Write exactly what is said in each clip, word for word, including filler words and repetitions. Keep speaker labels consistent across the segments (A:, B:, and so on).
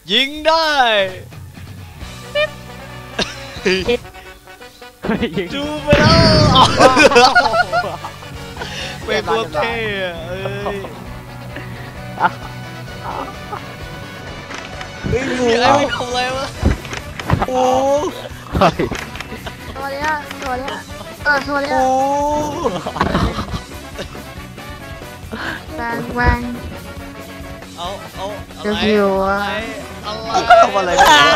A: ยิงได้ดูไปแล้วเป็นตัวเท่เอ้ย
B: เฮ้ยงู
A: ไอ้ไม่ทำอะไรวะ
B: โอ้
C: ตัวเนี้ยตัวเนี้ยเออตัวเนี้ย
B: โอ้
C: แบงแบง
A: เอาเอาอะ
C: เดี๋ยว
A: ไร
C: หิวอ่ะ
A: อะไร
B: ทำอะไร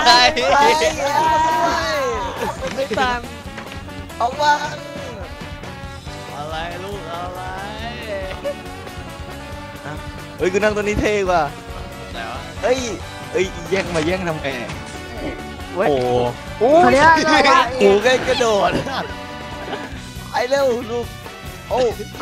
B: ไม่ตังเอาว่า
A: อะไรลูกอะไร
B: เฮ้ยกูนั่งตัวนี้เท่กว่า
A: ไหนวะ
B: เฮ้ยเฮ้ยแย่งมาแย่งทำไงโอ้โห
C: ตัวเนี้ยตัวเนี้ย
B: โอ้แกกระโดดไอ้เร็วลูกโอ้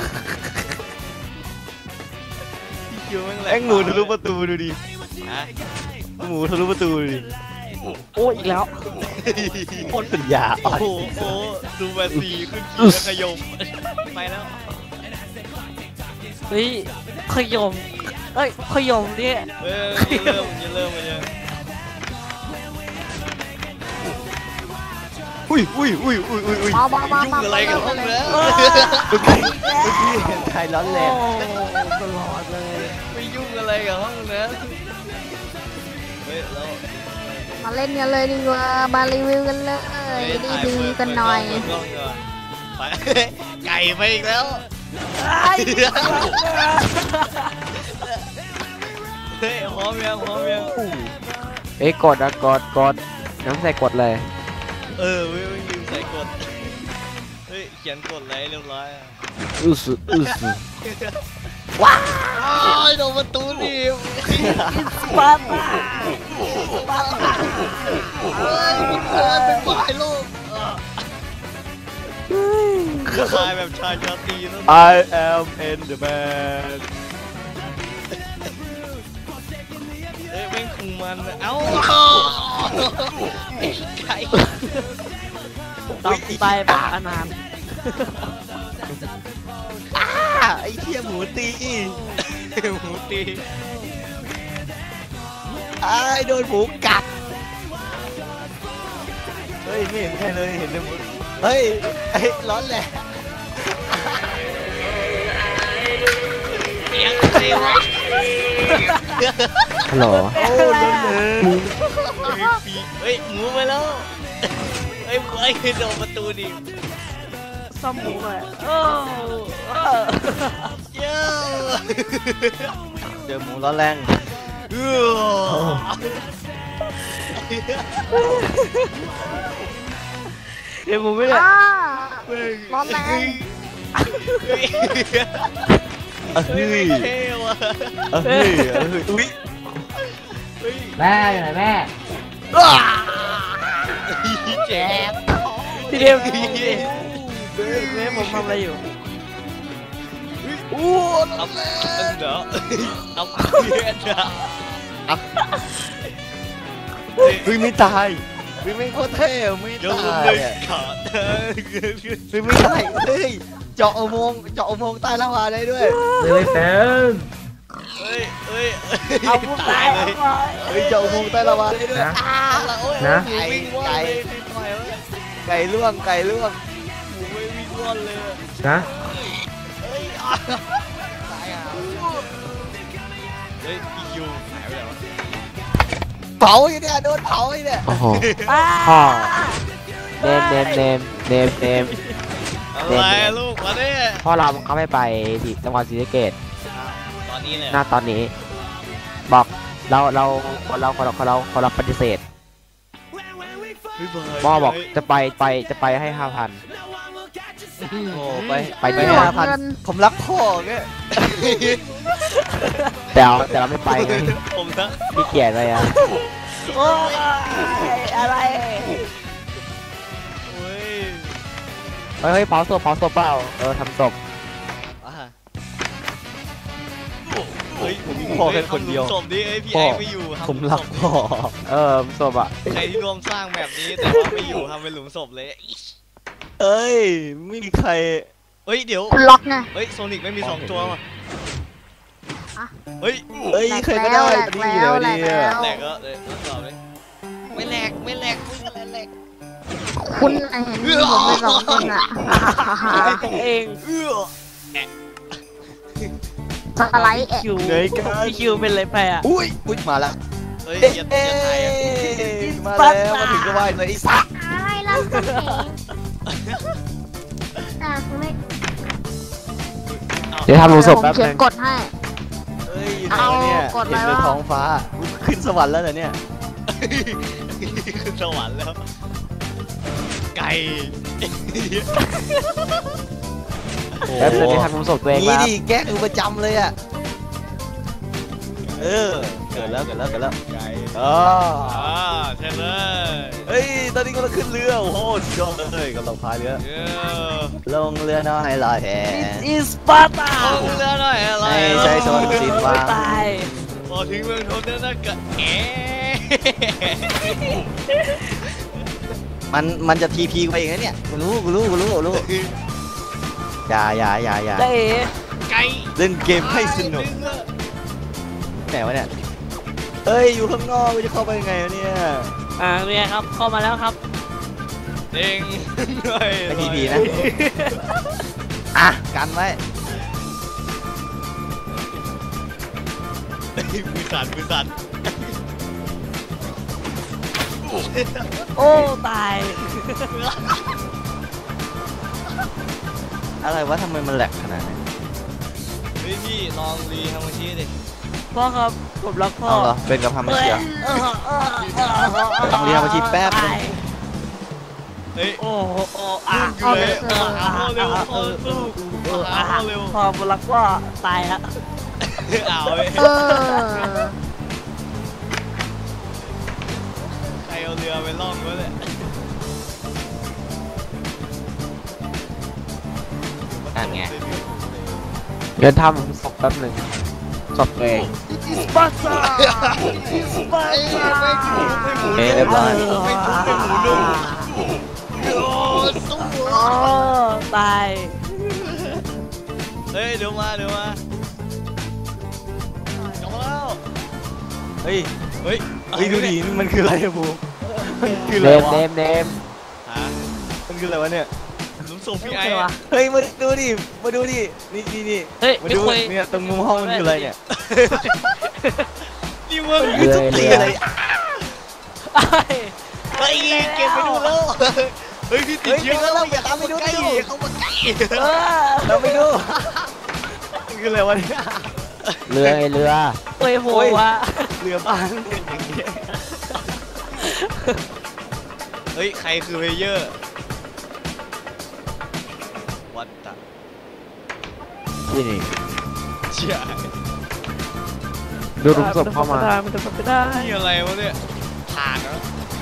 B: แองหมูทะลุประตูดูดิหมูทะลุประตูดูดิ
D: โอ้อีกแล้ว
B: คนเป็นยา
A: โอ้โหโอ้ดูแบสีขึ้นขี่แล้วขยมไปแล้ว
D: เฮ้ยขยมเอ้ยขยมเนี่ย
A: เออเริ่มจะเริ่มมายัง
B: อุ้ยอุ้ยอุ้ยอุ้ยอุ้ยอุ้ย
A: ยุ่งอะไรกับห้องแล้ว
B: เมื่อกี้เมื่อกี้เห็นใครร้อนแรง
D: ตลอดเลย
A: ไม่ยุ่งอะไรกับห้องนั้นเฮ้ยเรา
C: มาเล่นกันเลยดีกว่ามารีวิวกันเลยดีดีกันหน่อย
A: ไปไก่ไปอีกแล้วเฮ้ยพร้อมยังพร้อมยัง
D: เอ้ยกดอะกดกดน้ำใส่กดเลย
A: เออไม่ไม่ลืมใส่กดเฮ้ยเขียนกดเลยเรียบร้อย
D: อือสอือส
A: ว้าวโดนประตูดิ
D: สปาร์ตา
A: สปาร์ตาเฮ้ยมันเกินเป็นฝ่ายโลกชายแบบชายชาตรีนะ
B: I am in the man
A: เอ้ยแม่งคุมมันเอ้าไก่
D: ต้องตายแบบอนาถ
B: ไอ้เหี้ยหมูตี
A: หมูตี
B: ไอ้โดนหมูกัดเฮ้ยไม่เห็นใครเลยเห็นแต่หมูเฮ้ยไอ้ร้อนแหละ
A: เสียงอะไรวะ
D: ฮัลโหล
B: โอ้ร้อนเลย
A: เฮ้ยหมูไปแล้วเฮ้ยไอ้โดนประตูดิ
D: ซ่อมหมูไปเออ
A: เย้
B: เจอหมูร้อนแรง
A: เ
B: เจอหมูไม่ได้
C: ร้อนแรง
B: เฮ้ย
A: เท่ว่ะ
B: เฮ้ยเฮ้ยอุ้ย
D: แม่อยู่ไหนแม่
A: แจ๊บ
D: พี่เดียวแม่ผมทำอะไรอยู่
A: โอ้ทำเด้อทำเพี้ยนอ่ะ
B: เฮ้ยไม่ตายเฮ้ยไม่โคตรเท่ไม่ตาย
A: ขาดเ
B: ฮ้ยไม่ตายเฮ้ยเจาะอุโมงค์เจาะอุโมงค์ใต้ลาวาได้ด้วย
D: เลยแฟน
A: เฮ้ยเฮ้ย
D: เอาผู้ตายเลย
B: เฮ้ยเจาะอุโมงค์ใต้ลาวาได้ด้วย
A: นะ
B: ไก่ไก่ล่วงไก่ล่วง
A: หมูไม่วิ่งว่อนเลย
D: นะ
A: เฮ้ยตายอ่ะเฮ้ยพี่ยูหายไปแล้ว
B: เผาอยู่เนี่ยโดนเผาอยู่เนี่ย
D: โอ้โหพ่อเนมเนมเนมเนมเนม
A: อะไรลูกมาเนี่ย
D: พ่อเราเขาไม่ไปที่จังหวัดศรีสะเกษ
A: ตอนนี้เลย
D: หน้าตอนนี้บอกเราเราคนเราคนเราคนเราคนเราปฏิเสธพ่อบอกจะไปไปจะไปให้ห้าพัน
B: โอ้ไปไปไปห้าพันผมรักพ่อแก
D: แต่แต่เราไม่ไปไง
A: ผมนะ
D: พี่เกียรติอะไรอ่ะ
A: โอ้ยอะไร
D: เฮ้ยเผาศพเผาศพเปล่าเออทำศพ
A: เฮ้ยผมมีพ่อแค่คนเดียวศพนี้ไอพี่ไอไม่อยู่
B: ผมรักพ่อ
D: เออศพอ่ะ
A: ใครที่ร่วมสร้างแบบนี้แต่ว่าไม่อยู่ทำเป็นหลุมศพเลย
B: เอ้ยไม่มีใคร
A: เฮ้ยเดี๋ยว
C: ล็อกไง
A: เฮ้ยโซนิกไม่มีสองตัวมาเฮ้ย
B: เฮ้ยใครก็ได้
C: แหลกแล้วแหลกแล้ว
A: แหลกก็กไม่แหลกมึงอะไรแหลก
C: คุณไอ้เห็นผมเป็นสองคนอ่ะ
B: เอง
A: เอื้อ
C: สไลด์แอะ
B: คิวพี่คิวเป็นไรไปอ่ะ
A: อุ้ยอุ้ยมาแล้วเฮ้ยอย่าอย่าถ่ายอ่ะ
B: มาแล้วมาถึงก็ไหวเลยไอ้สัส
C: อะไรล่ะคุณเองอ่ะคุณไม่
D: เดี๋ยวทำรูศพ
C: ผม
D: แป๊บ
C: เขีย
D: นึ
C: น
D: ง
C: กดให้
B: เฮ้ยอยู่ไหนวะเนี่ย
C: เอากดอะไร
B: เห็นใน
C: วะ
B: ท้องฟ้าขึ้นสวรรค์แล้วเหรอเนี่ย
A: ขึ้นสวรรค์แล้วไก่
D: แป๊บนึงที่ทำรูศพตัวเอง
B: นี่
D: ครับ
B: ดิแกล้งอยู่ประจำเลยอ่ะเออเกิดแล้วเกิดแล้วเกิดแล้ว
A: ไก่
B: อ๋อ
A: อ่าใช่เลย
B: เฮ้ยตอนนี้กำลังขึ้นเรือโอ้โหสุดยอดเลยกำลังพายเรือ
A: เออ
B: ลงเรือน้อยลอยแพ
D: อิสปาร์ตา
A: เอาเรือหน่อยอะไร
B: ให้ใช้สวรรค์สินวาง
D: ตาย
A: พอถึงเมืองทนแล้วนะกะเอ๋
B: มันมันจะทีพีไปเองนะเนี่ยกูรู้กูรู้กูรู้กูรู้อย่าอย่าอย่าอย่า
D: ได้
A: ไก่
B: เล่นเกมให้สนุกไหนวะเนี่ยเฮ้ยอยู่ข้างนอกกูจะเข้าไปยังไงวะเนี่ย
D: อ่าเป็นไงครับเข้ามาแล้วครับ
A: เด้งหน่อย
B: ไม่ทีพีนะอ่ะกันไว้
A: มือสั่นมือสั่น
D: โอ้ตาย
B: อะไรวะทำไมมันแหลกขนาดนี้
A: เฮ้ยพี่ลองรีทำมาชี้ดิ
D: พ่อครับผมรักพ่อ
B: เอาเหรอเป็นกับทำไม่เชียร์ ทำเรียนมาชีแป๊บนึง
A: เฮ้ย
D: โอ้โหโอ้อ่ะ
A: เอาเลยเออหาพ่อเร็วพ่อสู้หาพ่อเร็ว
D: พ่อผมรักพ่อตายแล้ว
A: เอาเว้ย
C: เออ
A: ใครเอาเรือไปล่องวะเนี่ย
B: นั่นไง
D: เดี๋ยวทำศพแป๊บหนึ่งศพตัวเอง
A: สปาร์ตาสปาร์ตาไม่หมู
B: เอ๊ะเรียบร้อย
A: ไม่หมูไม่หมูนุ่มโอ้สู้
D: โอ้ตาย
A: เฮ้ยเดี๋ยวมาเดี๋ยวมาจบแล้ว
B: เฮ้ย
A: เฮ้ย
B: เฮ้ยดูดิมันคืออะไรอะบูมันคือ
D: เน
B: อะไร
D: ม
B: วะ
D: เนมเนม
A: ฮะ
B: มันคืออะไรวะเนี่ย
A: หลุมศพพี่
D: โอ
A: ไอ้
D: เควะ
B: เฮ้ยมาดูดิมาดูดินี่นี่นี่
D: เฮ้ย
B: มา
D: ไม่
B: ดู
D: คุย
B: เนี่ยตรงมุมห้องมันคืออะไรเนี่ย
A: นี่มึง
B: คือทุกทีอะไร
A: เฮ้ยเก็บไปดูแล้วเฮ้ยพี่ติดเชื้อแล้วอย่าเข้ามาใกล้อย่าเข้ามาใกล้
D: เออ
B: เราไปดูมันคืออะไรวะเนี่ย
D: เรือไอเรือโอ้ยโหวะ
B: เรือบ้านเป็นอย่างเงี้ย
A: เฮ้ยใครคือเพลเยอร์วัดตะ
B: นี่นี่
A: เชี่ย
D: ดูรุมศพเข้ามามันจะไม่ได้
A: นี่อะไรวะเนี่ยผ่านแล้ว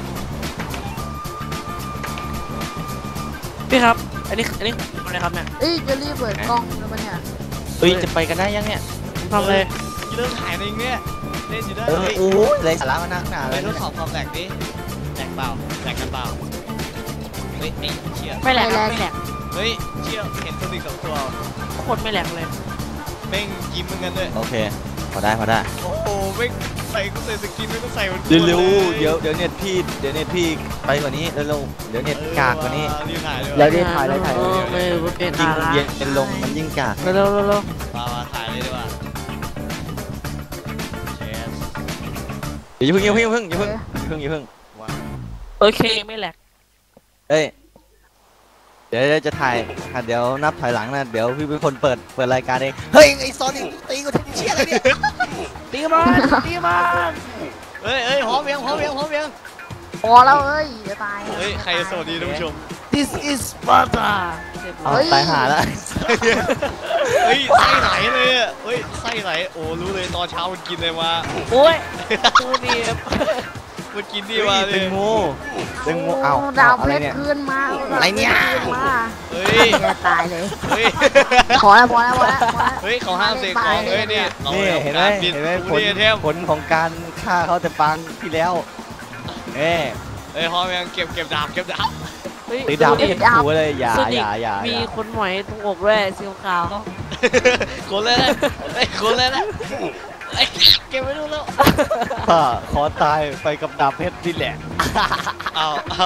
D: พี่ครับ อันนี้อันนี้อะไรครับเนี่ย
C: เอ้ยจะรีบเปิดกล้องแล้วปะเนี่ย
B: เฮ้ยจะไปกันได้ยังเนี่ย
D: ผมทำเลย
A: เริ่มถ่ายในเนี่ยเล่นอยู่ได้
B: เออ
A: เฮ้ย
B: โอ้ยไรสาระมานักหนา
A: ไป
B: เลย
A: ทดสอบความแหลกดิแหลกเปล่าแหลกกันเปล่าเฮ้ยไอ้เชี่ย
D: ไม่แหลกไม่แหลก
A: เฮ้ยเชี่ยเห็นตัวดิกับตัว
D: คนไม่แหลกเลย
A: แม่งยิ้มเหมือนกันด้วย
B: โอเคพอได้พอได้
A: โอ้โหแม่งใส่ก็ใส่สกินไม่ต้องใส่มัน
B: เร็วๆเดี๋ยวเดี๋ยวเน็ตพี่เดี๋ยวเน็ตพี่ไปกว่านี้เร็วๆเดี๋ยวเน็ตกากกว่านี้
A: รีบถ่ายเลย
B: แล้วรีบถ่ายเลยถ่ายเลย
D: ไม่เป็น
B: ยิ่ง
D: อะไร
B: เย็นเป็นลงมันยิ่งกาก
D: เร็วเร็วเร็ว
A: มามาถ่ายเลยดีกว่าเชส
B: เดี๋ยวอย่าเพิ่งอย่าเพิ่งอย่าเพิ่งอย่าเพิ่งอย่าเพิ่ง
D: โอเคไม่แหลก
B: เอ้ยเดี๋ยวจะถ่ายค่ะเดี๋ยวนับถอยหลังนะเดี๋ยวพี่เป็นคนเปิดเปิดรายการเองเฮ้ยไอ้ซอนนี่ตีกูทุกเชี่ยเลยเนี่ย
D: ตีมันตีมัน
A: เฮ้ยเฮ้ยพร้อมยังพร้อมยังพร้อมยัง
C: พอแล้วเอ้ยจะตาย
A: เฮ้ยใครสวัสดีท่านผู้ชม
B: This is Sparta เอาตายหาแล้ว
A: เฮ้ยไส้ไหลเลยอ่ะเฮ้ยไส้ไหลโอ้รู้เลยตอนเช้ามันกินอะไรมา
D: โอ้ยตูนี่
A: มันกินดี
B: เฮ้
A: มาย เล
B: เป็
A: ย
B: นงูเป็นงูเอา
C: ดาว
B: อะ
C: เพ
B: ไร
C: ชร
B: เนี่ย
C: คืนมา
B: อะไรเนี่ย
C: คืนมา
A: เฮ้ย
C: จะตายเลย
A: เฮ้ย
C: พอแล้วพอแล้วพอแล้วพอแล้ว
A: เฮ้ยเขาห้ามเสกของเฮ้ยนี่เรา
B: นี่เห็นไหม
A: การบิน
B: เห็นไหมผ
A: ดู
B: ล
A: ดิเทม
B: ผลของการฆ่าเขาแต่ปางที่แล้วเอ้ย
A: เฮ้ยพร้อมยังเก็บเก็บดาบเก็บดาบ
B: ตีดาบไม่เห็นหัวเลยอย่า
D: สุ
B: อ
D: ดิ
B: ย่าอย่าอ
D: มี
B: ย่า
D: คนหมอยตรงอกด้วยสีขาว
A: คนเลยนะเฮ้ยคนเลยนะเฮ้ยเก็บไว้ดูแล้ว
B: ข้าขอตายไปกับดาบเพชรนี่แหละ
A: เอาเอา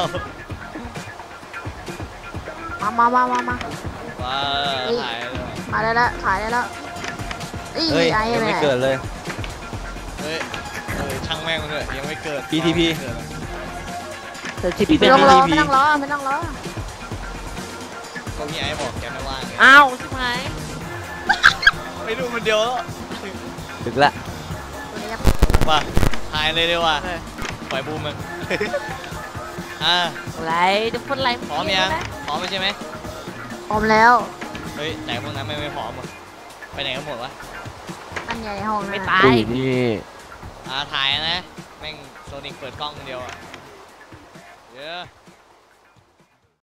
C: มามามามามา
A: ว้าถ่ายเลย
C: มาได้แล้วถ่ายได้แล้วอี
B: เฮ้ย
C: ไอ้
B: ยัง
C: แม่
B: ไม่เกิดเลย
A: เฮ้ยเออช่างแม่งมันเลยยังไม่เกิด
B: พี ที พี
A: เกิด
D: เธอชิป
B: พี่
C: ไม่
B: เต้
C: ต้องรอ
B: พี
C: ไม่ต้องรอไม่ต้องรอ
A: ก็พี่ไอ้บอกแกไม่ว่างไง
D: อ้าวใช่ไหม
A: ไม่ดูมันเดียวแล้ว
B: ถึงละ
A: มาถ่ายเลยดีกว่าปล่อยบูมมันอ่า
D: อะไรจะพูดอะไร
A: พร้อมยังพร้อมใช่ไหม
C: พร้อมแล้ว
A: เฮ้ยไหนพวกนั้นไม่ไม่พร้อมอ่ะไปไหนกันหมดวะ
C: อันใหญ่ในห้อง
D: ไม่
C: นะ
D: ตาย
B: อุ้ยนี่
A: อ่าถ่ายนะแม่งโซนิกเปิดกล้องคนเดียวอ่ะเยอะ